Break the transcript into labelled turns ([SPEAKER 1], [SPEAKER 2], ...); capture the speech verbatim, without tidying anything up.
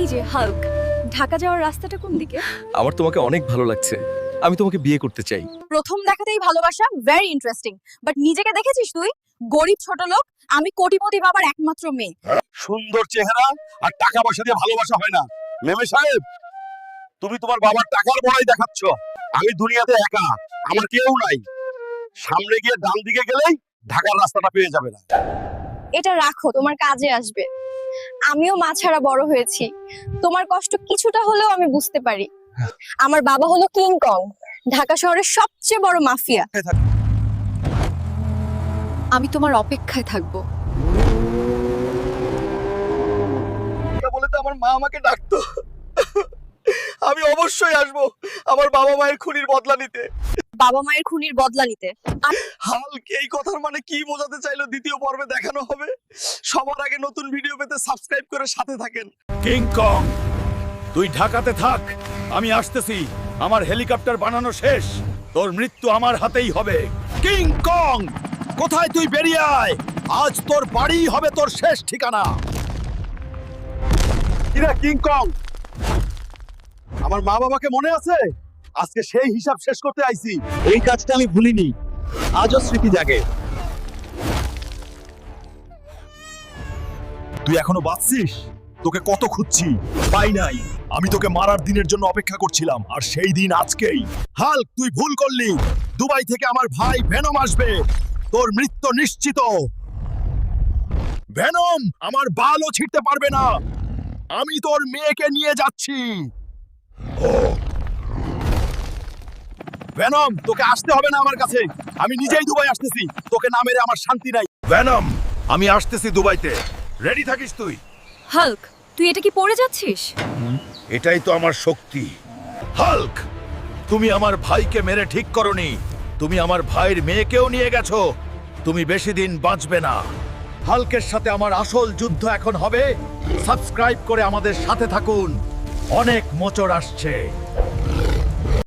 [SPEAKER 1] যে হাল্ক, ঢাকা যাওয়ার রাস্তাটা কোন দিকে?
[SPEAKER 2] আমার তোমাকে অনেক ভালো লাগছে, আমি তোমাকে বিয়ে করতে চাই।
[SPEAKER 1] প্রথম দেখাতেই ভালোবাসা, ভেরি ইন্টারেস্টিং। বাট নিজেকে দেখেছিস তুই? গরিব ছোট লোক, আমি কোটিপতি বাবার একমাত্র মেয়ে।
[SPEAKER 3] সুন্দর চেহারা আর টাকা পয়সা দিয়ে ভালোবাসা হয় না। মেমে সাহেব, তুমি তোমার বাবার টাকার বড়াই দেখাচ্ছ। আমি দুনিয়াতে একা, আমার কেউ নাই। সামনে গিয়ে ডান দিকে গেলেই ঢাকার রাস্তাটা পেয়ে যাবে না।
[SPEAKER 1] এটা রাখো, তোমার কাজে আসবে। আমিও মা ছাড়া বড় হয়েছি, তোমার কষ্ট কিছুটা হলেও আমি বুঝতে পারি। আমার বাবা হলো কিং কং, ঢাকা শহরের সবচেয়ে বড় মাফিয়া। আমি তোমার অপেক্ষায় থাকবো।
[SPEAKER 3] এটা বলে তো আমার মা আমাকে ডাকতো। আমি অবশ্যই আসবো আমার বাবা মায়ের খুনির বদলা নিতে।
[SPEAKER 1] বাবা মায়ের খুনির বদলা নিতে?
[SPEAKER 3] হাল্ক এই কথার মানে কি বোঝাতে চাইলো দ্বিতীয় পর্বে দেখানো হবে। সবার আগে নতুন ভিডিও পেতে সাবস্ক্রাইব করে সাথে থাকেন।
[SPEAKER 4] কিং কং, তুই ঢাকাতে থাক, আমি আসতেছি। আমার হেলিকপ্টার বানানো শেষ, তোর মৃত্যু আমার হাতেই হবে। কিং কং, কোথায় তুই? বেরিয়ে আয়, আজ তোর বাড়ি হবে তোর শেষ ঠিকানা।
[SPEAKER 3] কিরা কিং কং, আমার মা বাবাকে মনে আছে? আজকে সেই হিসাব শেষ করতে আইছি।
[SPEAKER 4] এই কাজটা আমি ভুলিনি, আজও স্মৃতি জাগে। তুই এখনো বাঁচছিস? তোকে কত খুঁজছি, পাই নাই। আমি তোকে মারার দিনের জন্য অপেক্ষা করছিলাম, আর সেই দিন আজকেই। হাল্ক, তুই ভুল করলি। দুবাই থেকে আমার ভাই ভেনম আসবে, তোর মৃত্যু নিশ্চিত। ভেনম আমার বালও ছিঁড়তে পারবে না। আমি তোর মেয়েকে নিয়ে যাচ্ছি। ভেনম, তোকে আসতে হবে না আমার কাছে, আমি নিজেই দুবাই আসতেছি। তোকে না মেরে আমার শান্তি নাই। ভেনম, আমি আসতেছি দুবাইতে, রেডি থাকিস তুই।
[SPEAKER 1] হাল্ক, তুই এটা কি পড়ে যাচ্ছিস?
[SPEAKER 4] এটাই তো আমার শক্তি। হাল্ক, তুমি আমার ভাইকে মেরে ঠিক করনি, তুমি আমার ভাইয়ের মেয়েকেও নিয়ে গেছো। তুমি বেশি দিন বাঁচবে না। হাল্কের সাথে আমার আসল যুদ্ধ এখন হবে। সাবস্ক্রাইব করে আমাদের সাথে থাকুন, অনেক মোচড় আসছে।